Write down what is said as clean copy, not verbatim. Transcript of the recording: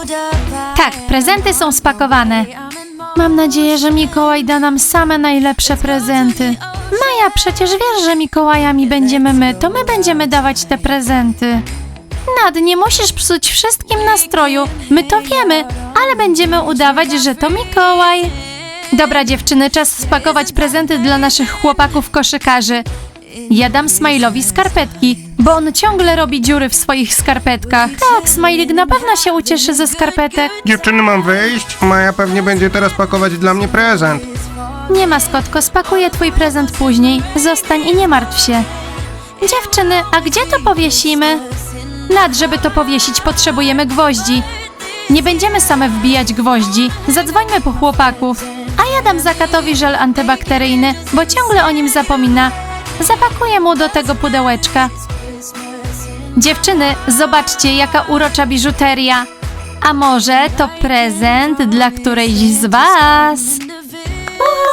Tak, prezenty są spakowane. Mam nadzieję, że Mikołaj da nam same najlepsze prezenty. Maja, przecież wiesz, że Mikołajami będziemy my, to my będziemy dawać te prezenty. Nad, nie musisz psuć wszystkim nastroju, my to wiemy, ale będziemy udawać, że to Mikołaj. Dobra dziewczyny, czas spakować prezenty dla naszych chłopaków koszykarzy. Ja dam Smile'owi skarpetki, bo on ciągle robi dziury w swoich skarpetkach. Tak, Smajlik na pewno się ucieszy ze skarpetek. Dziewczyny, mam wyjść? Maja pewnie będzie teraz pakować dla mnie prezent. Nie, maskotko, spakuję twój prezent później. Zostań i nie martw się. Dziewczyny, a gdzie to powiesimy? Nad, żeby to powiesić, potrzebujemy gwoździ. Nie będziemy same wbijać gwoździ. Zadzwońmy po chłopaków. A ja dam Zakatowi żel antybakteryjny, bo ciągle o nim zapomina. Zapakuję mu do tego pudełeczka. Dziewczyny, zobaczcie, jaka urocza biżuteria. A może to prezent dla którejś z was?